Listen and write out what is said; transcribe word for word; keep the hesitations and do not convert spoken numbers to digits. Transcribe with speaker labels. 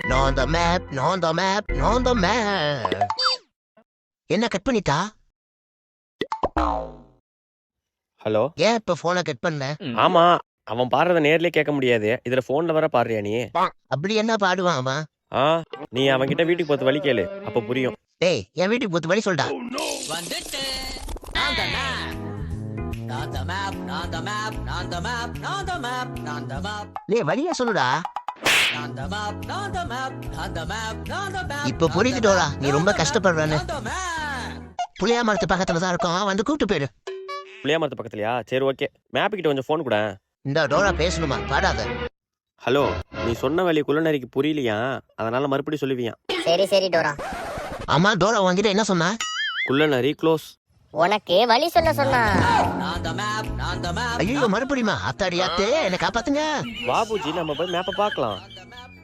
Speaker 1: நான் the map, நான் the map, நான் the map. என்ன கட் பண்ணிட்டா?
Speaker 2: ஹலோ.
Speaker 1: ஏன் இப்ப போனை கட் பண்ண?
Speaker 2: ஆமா, அவன் பாடுறத நேர்லயே கேட்க முடியாது. இதுல போன்ல வர பாடுறியா நீ?
Speaker 1: அப்படி என்ன பாடுவான் அவன்?
Speaker 2: ஆ, நீ அவன்கிட்ட வீட்டுக்கு போத்து வழி கேளு, அப்ப புரியும்.
Speaker 1: டேய், என் வீட்டுக்கு போத்து வழி சொல்டா.
Speaker 3: வந்துட்டு நான் the map. நான் the map, நான் the map, நான் the map, நான் the map, நான் the map.
Speaker 1: டேய் வழியா சொல்லுடா.
Speaker 3: நான் the map, நான் the map, நான் the map, நான் the map.
Speaker 1: இப்ப புரியுது டோரா, நீ ரொம்ப கஷ்டப்படுறன்னு.
Speaker 3: நான் the map.
Speaker 1: புளியா மரத்து பக்கத்துல தான் இருக்கும், வந்து கூப்பிட்டு போயிடு.
Speaker 2: புளியா மரத்து பக்கத்துலயா? சரி ஓகே. மேப் கிட்ட கொஞ்சம் போன் கூட.
Speaker 1: இந்த டோரா பேசணுமா? பாடாத.
Speaker 2: ஹலோ, நீ சொன்ன வழி குள்ளநரிக்கு புரியலையா? அதனால மறுபடியும் சொல்லுவியா?
Speaker 4: சரி சரி டோரா.
Speaker 1: அம்மா டோரா உன்கிட்ட என்ன சொன்னா?
Speaker 2: குள்ளநரி க்ளோஸ்.
Speaker 4: உனக்கு வழி சொல்ல சொன்னா.
Speaker 3: நான் the map, நான் the map.
Speaker 1: ஐயோ மறுபடியுமா? அத்தாடி அத்தே, என்னை காப்பாத்துங்க.
Speaker 2: பாபுஜி, நம்ம போய் மேப்பை பார்க்கலாம்.
Speaker 3: நான் the map,